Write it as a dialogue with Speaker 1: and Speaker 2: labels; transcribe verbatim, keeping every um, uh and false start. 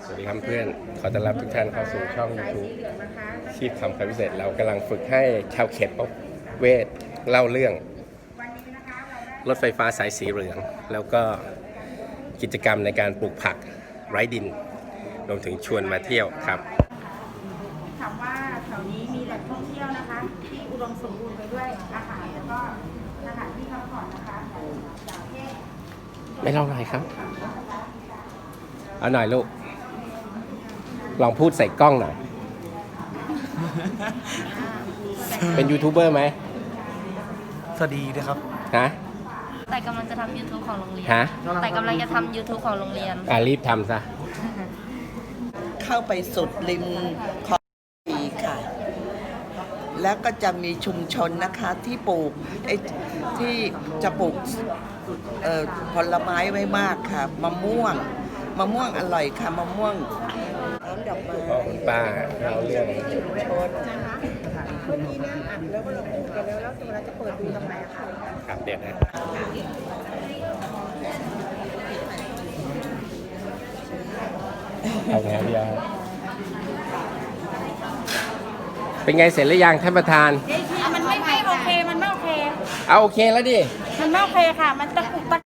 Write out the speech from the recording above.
Speaker 1: สวัสดีครับเพื่อนขอต้อนรับทุกท่านเข้าสู่ช่อง YouTube ชีพทำคำพิเศษเรากำลังฝึกให้ชาวเขตป๊อปเวทเล่าเรื่องรถไฟฟ้าสายสีเหลือง แล้วก็กิจกรรมในการปลูกผักไร้ดินรวมถึงชวนมาเที่ยวครับ
Speaker 2: ถามว่าแถวนี้มีแหล่งท่องเที่ยวนะคะที่อุดมสมบูรณ์ไปด้วยอาหารแล้วก็สถานที่พักผ่อนนะคะจากเทศ
Speaker 1: ไม่เล่าหน่อยครับเอาหน่อยลูกลองพูดใส่กล้องหน่อย เป็นยูทูบเบอร์ไหม
Speaker 3: สวัสดีนะครับ
Speaker 1: ฮะ
Speaker 4: แต่กำลังจะทำ YouTube ของโรงเรียน
Speaker 1: ฮะ
Speaker 4: แต่กำลังจะทำ YouTube ของโรงเรียน
Speaker 1: อ่ารีบทำซะ
Speaker 5: เข้าไปสุดริมคลองสีค่ะ แล้วก็จะมีชุมชนนะคะที่ปลูกไอ้ที่จะปลูกเอ่อผลไม้ไว้มากค่ะมะม่วงมะม่วงอร่อยค่ะมะม่วงน้ำดอกไม้
Speaker 1: พ่อคุณป้าเราเรื่อง
Speaker 5: ชุมชน
Speaker 2: นะคะเมื่อกี้เนี่ยอัดแล้วก็เราปลูกกันแล้วแล้วเวลาจะเปิดดูตรงไหนอะคะ
Speaker 1: ครับเดี๋ยวนะเอาไงพี่ยาเป็นไงเสร็จหรือยังท่านประธาน
Speaker 2: มันไม่ไม่โอเคมันไม่โอเค
Speaker 1: เอาโอเคแล้วดิ
Speaker 2: มันไม่โอเคค่ะ มันตะกุกตะ